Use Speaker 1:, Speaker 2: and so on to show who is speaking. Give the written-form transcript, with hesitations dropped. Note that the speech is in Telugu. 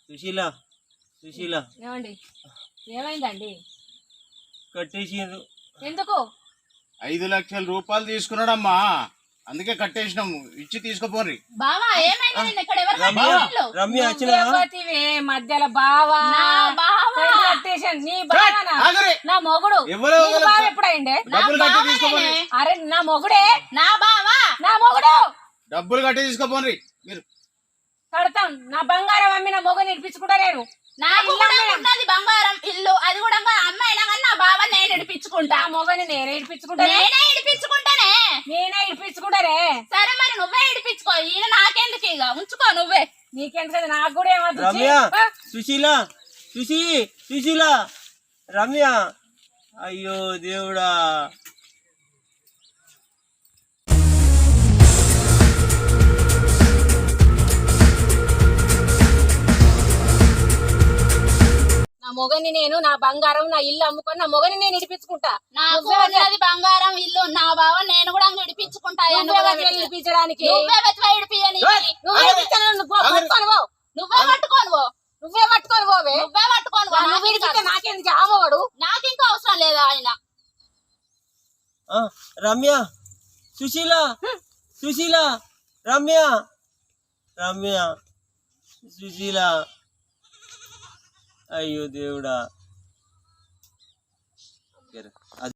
Speaker 1: సుశీల సుశీల
Speaker 2: ఏమండి ఏమైందండి?
Speaker 1: కట్టేసిండ్రు.
Speaker 2: ఎందుకు?
Speaker 3: 5 లక్షల రూపాయలు తీసుకున్నాడమ్మా, అందుకే కట్టేసినాము. ఇచ్చి తీసుకుపోండి.
Speaker 4: బావా ఏమైంది? నిన్న ఇక్కడ ఎవరు
Speaker 1: రమ్య
Speaker 4: కట్టిండ్రు?
Speaker 1: రమ్య వచ్చిన
Speaker 2: నువ్వెవతివే మధ్యలో బావా?
Speaker 4: నా బావా.
Speaker 2: కట్టేసాను. నీ బావనా?
Speaker 3: ఆగరే.
Speaker 2: నా మొగుడు.
Speaker 3: ఎవరో
Speaker 2: నీ బావ ఎప్పుడైండే?
Speaker 3: డబ్బులు కట్టి తీసుకోపోండి.
Speaker 2: అరే నా మొగుడే.
Speaker 4: నా బావా.
Speaker 2: నా మొగుడు.
Speaker 3: డబ్బులు కట్టి తీసుకోపోండి. మీరు
Speaker 2: కడతాం. నా బంగారం అమ్మి నా మొగుని ఇడిపించుకుంటా నేను.
Speaker 4: నాకు కూడా ఉన్నది బంగారం ఇల్లు, అది కూడా అమ్మాయినా కానీ నా బావ నేను ఇడిపించుకుంటా.
Speaker 2: నా మొగని నేనే ఇడిపించుకుంటా.
Speaker 4: నేనే ఇడిపించుకుంటానే.
Speaker 2: నేనే ఇడిపించుకుంటారే.
Speaker 4: సరే మరి నువ్వే ఇడిపించుకో, ఈయన నాకెందుకు, ఇక ఉంచుకో నువ్వే.
Speaker 2: నీకెందుకు కదా, నాకు కూడా ఏమద్దు.
Speaker 1: రమ్య సుశీల సుశీల రమ్య. అయ్యో దేవుడా.
Speaker 2: నా మొగని నేను నా బంగారం నా ఇల్లు అమ్ముకొని నా మొగని నేను ఇడిపించుకుంటా.
Speaker 4: నాకు ఉన్నది బంగారం ఇల్లు, నా బావ నేను కూడా ఇడిపించుకుంటా.
Speaker 2: ఇడిపించడానికి
Speaker 4: నువ్వే వెతవా ఇడిపియని.
Speaker 2: నువ్వే పట్టుకోను నువ్వే పట్టుకోను పోవే.
Speaker 4: నువ్వే పట్టుకోను
Speaker 2: నువ్వు ఇడిపిస్తే నాకెందుకు ఆమవాడు?
Speaker 4: నాకు ఇంకా అవసరం లేదా ఆయన.
Speaker 1: రమ్య సుశీల సుశీల రమ్య రమ్య సుశీల. అయ్యో దేవుడా.